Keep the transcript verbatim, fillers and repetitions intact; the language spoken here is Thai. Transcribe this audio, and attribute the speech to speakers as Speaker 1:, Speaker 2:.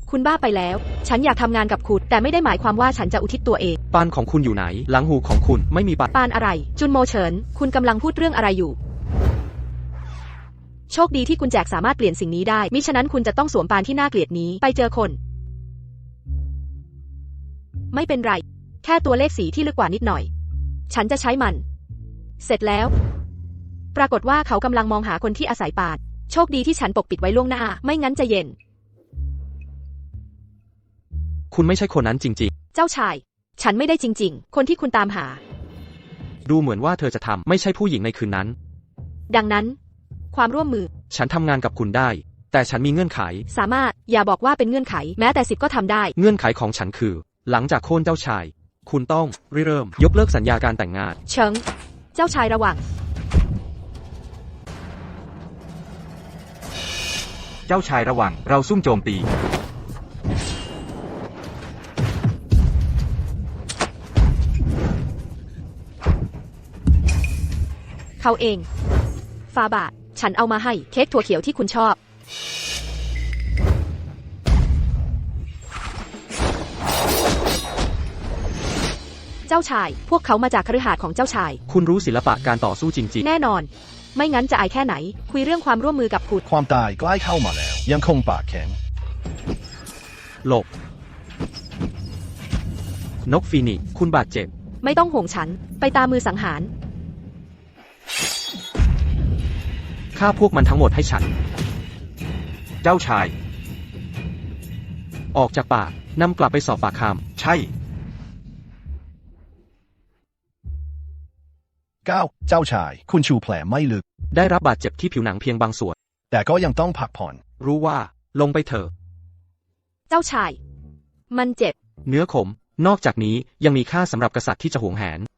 Speaker 1: คุณบ้าไปแล้วฉันอยากทำงานกับคุณแต่ไม่ได้หมายความว่าฉันจะอุทิศตัวเอง
Speaker 2: ปานของคุณอยู่ไหนหลังหูของคุณไม่มีปาน
Speaker 1: ปานอะไรจุนโมเฉินคุณกำลังพูดเรื่องอะไรอยู่โชคดีที่คุณแจกสามารถเปลี่ยนสิ่งนี้ได้มิฉะนั้นคุณจะต้องสวมปานที่น่าเกลียดนี้ไปเจอคนไม่เป็นไรแค่ตัวเลขสีที่ลึกกว่านิดหน่อยฉันจะใช้มันเสร็จแล้วปรากฏว่าเขากำลังมองหาคนที่อาศัยปานโชคดีที่ฉันปกปิดไว้ล่วงหน้าไม่งั้นจะเย็น
Speaker 2: คุณไม่ใช่คนนั้นจริง
Speaker 1: ๆเจ้าชายฉันไม่ได้จริงๆคนที่คุณตามหา
Speaker 2: ดูเหมือนว่าเธอจะทำไม่ใช่ผู้หญิงในคืนนั้น
Speaker 1: ดังนั้นความร่วมมือ
Speaker 2: ฉันทำงานกับคุณได้แต่ฉันมีเงื่อนไข
Speaker 1: สามารถอย่าบอกว่าเป็นเงื่อนไขแม้แต่สิบก็ทำได้
Speaker 2: เงื่อนไขของฉันคือหลังจากโค่นเจ้าชายคุณต้องริเริ่มยกเลิกสัญญาการแต่งงาน
Speaker 1: เฉิงเจ้าชายระวัง
Speaker 3: เจ้าชายระวังเราซุ่มโจมตี
Speaker 1: เขาเองฟาบาทฉันเอามาให้เค้กถั่วเขียวที่คุณชอบเจ้าชายพวกเขามาจากคฤหาสน์ของเจ้าชาย
Speaker 2: คุณรู้ศิลปะการต่อสู้จริง
Speaker 1: ๆแน่นอนไม่งั้นจะอายแค่ไหนคุยเรื่องความร่วมมือกับคุณ
Speaker 4: ความตายใกล้เข้ามาแล้วยังคงปากแข็ง
Speaker 2: หลบนกฟีนิกซ์คุณบาดเจ็บ
Speaker 1: ไม่ต้องห่วงฉันไปตามมือสังหาร
Speaker 2: ฆ่าพวกมันทั้งหมดให้ฉัน
Speaker 3: เจ้าชาย
Speaker 2: ออกจากป่านำกลับไปสอบปากค
Speaker 3: ำใช่
Speaker 4: เก้าเจ้าชายคุณชูแผลไม่ลึก
Speaker 2: ได้รับบาดเจ็บที่ผิวหนังเพียงบางส่วน
Speaker 4: แต่ก็ยังต้องพักผ่อน
Speaker 2: รู้ว่าลงไปเถอะ
Speaker 1: เจ้าชายมันเจ็บ
Speaker 2: เนื้อขมนอกจากนี้ยังมีค่าสำหรับกษัตริย์ที่จะหวงแหน